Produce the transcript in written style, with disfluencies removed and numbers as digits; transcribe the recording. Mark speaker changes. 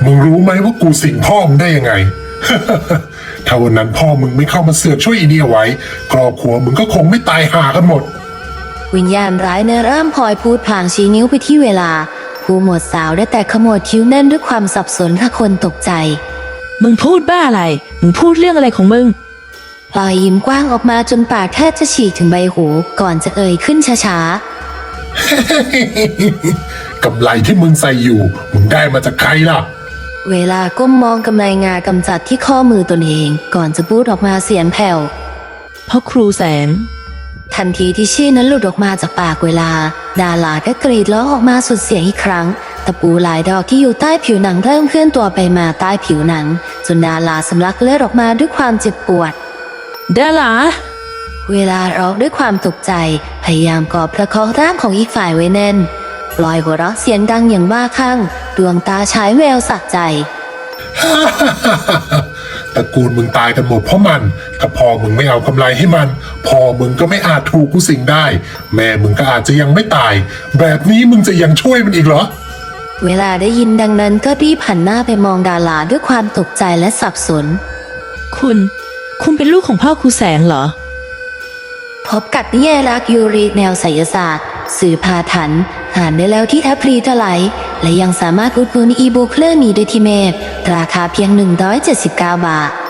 Speaker 1: มึงรู้ไหมว่ากูสิงพ่อมึงได้ยังไง ถ้าวันนั้นพ่อมึงไม่เข้ามาเสือกช่วยอีเนี่ยไว้ครอบครัวมึงก็คงไม่ตายห่ากันหมด
Speaker 2: วิญญาณร้ายเริ่มพลอยพูดพลางชี้นิ้วไปที่เวลาผู้หมวดสาวได้แต่ขมวดคิ้วแน่นด้วยความสับสนถ้าคนตกใจ
Speaker 3: มึงพูดบ้าอะไรมึงพูดเรื่องอะไรของมึง
Speaker 2: พลอยยิ้มกว้างออกมาจนปากแทบจะฉีกถึงใบหูก่อนจะเอ่ยขึ้นช้า
Speaker 1: ๆ กำไรที่มึงใส่อยู่มึงได้มาจากใครล่ะ
Speaker 2: เวลาก้มมองกำไรงากำจัดที่ข้อมือตนเองก่อนจะพูดออกมาเสียงแผ่ว
Speaker 3: พ่อครูแสง
Speaker 2: ทันทีที่ชื่อนั้นหลุดออกมาจากปากเวลาดาราก็กรีดร้องออกมาสุดเสียงอีกครั้งตะปูหลายดอกที่อยู่ใต้ผิวหนังเริ่มเคลื่อนตัวไปมาใต้ผิวหนังจนดาราสำลักเลือดออกมาด้วยความเจ็บปวด
Speaker 3: ดารา
Speaker 2: เวลาร้องด้วยความตกใจพยายามกอบประคองร่างของอีกฝ่ายไว้แน่นปล่อยหัวเราะเสียงดังอย่างบ้าคลั่งดวงตาฉายแววสะใจ
Speaker 1: ตระกูลมึงตายกันหมดเพราะมันถ้าพ่อมึงไม่เอากำไรให้มันพ่อมึงก็ไม่อาจถูกกูสิงได้แม่มึงก็อาจจะยังไม่ตายแบบนี้มึงจะยังช่วยมันอีกเหรอ
Speaker 2: เวลาได้ยินดังนั้นก็รีบหันหน้าไปมองดาราด้วยความตกใจและสับสน
Speaker 3: คุณเป็นลูกของพ่อครูแสงเหรอ
Speaker 2: พบกับนิยายรักยูริแนวไสยศาสตร์สื่อพาถันอ่านได้แล้วที่แอปพลีเทไลและยังสามารถอุดหนุนอีบุ๊กเล่มนี้ได้ที่เมพราคาเพียง179 บาท